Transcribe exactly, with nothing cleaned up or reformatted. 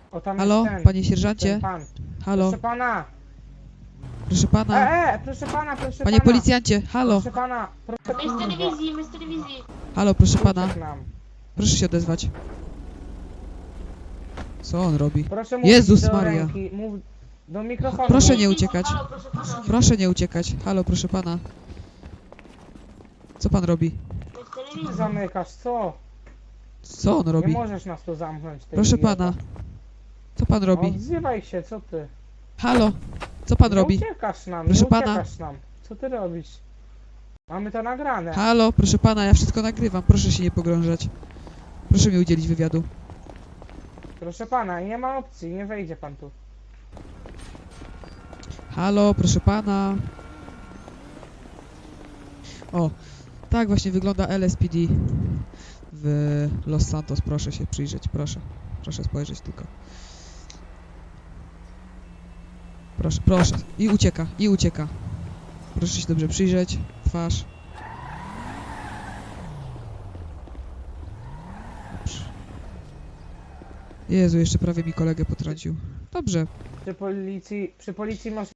O, tam Halo, jest ten, panie ten sierżancie? pan. Halo, Proszę pana. proszę pana. E, e, proszę pana, proszę Panie pana. policjancie, halo. Proszę pana, proszę My z kurwa. telewizji, my z telewizji. Halo, proszę pana. Uciekł nam. Proszę się odezwać. Co on robi? Proszę mówić Jezus do Maria. ręki, mów do mikrofonu. Proszę mów. nie uciekać. Halo, proszę pana. Proszę nie uciekać. Halo, proszę pana. Co pan robi? My z telewizji. Zamykasz, co? Co on Nie robi? możesz nas tu zamknąć, ty Proszę idioto. pana. Co pan robi? Odzywaj się, co ty? Halo, co pan nie robi? uciekasz nam, Proszę nie pana. uciekasz nam. Co ty robisz? Mamy to nagrane. Halo, proszę pana, ja wszystko nagrywam. Proszę się nie pogrążać. Proszę mi udzielić wywiadu. Proszę pana, nie ma opcji, nie wejdzie pan tu. Halo, proszę pana. O, tak właśnie wygląda L S P D w Los Santos. Proszę się przyjrzeć, proszę. Proszę spojrzeć tylko. Proszę, proszę. I ucieka, i ucieka. Proszę się dobrze przyjrzeć. Twarz. Dobrze. Jezu, jeszcze prawie mi kolegę potrącił. Dobrze. Przy policji, przy policji masz